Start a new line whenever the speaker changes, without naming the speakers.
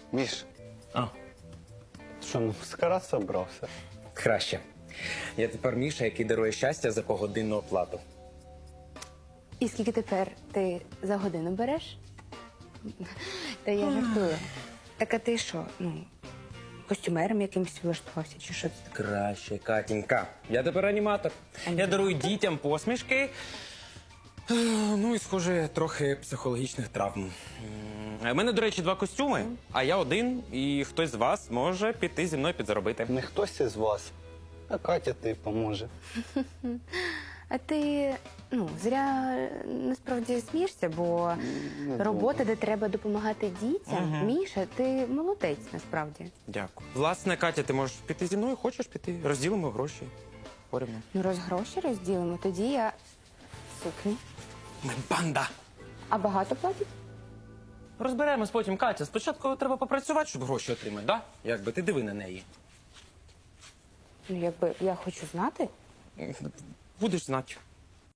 Міш,
А,
що, на маскарад собрався?
краще. Я тепер Міша, який дарує щастя за погодинну оплату.
І скільки тепер ти за годину береш? Та я жартую. Так а ти що, костюмером якимось влаштувався, чи що це таке?
Краще, Катінька. Я тепер аніматор. Я дарую дітям посмішки. Ну і, схоже, трохи психологічних травм. У мене, до речі, 2 костюми, а я один, і хтось з вас може піти зі мною підзаробити.
Не хтось із вас, а Катя тобі поможе.
А ти, зря насправді смієшся, бо робота, де треба допомагати дітям, Міша, ти молодець насправді.
Дякую. Власне, Катя, ти можеш піти зі мною? Хочеш піти? Розділимо гроші. Порівняно.
Ну, раз гроші розділимо, тоді я в сукні.
Ми банда!
А багато платять?
Розберемось потім, Катя. Спочатку треба попрацювати, щоб гроші отримати, да? Якби ти диви на неї.
Ну, якби я хочу знати.
Будеш знати.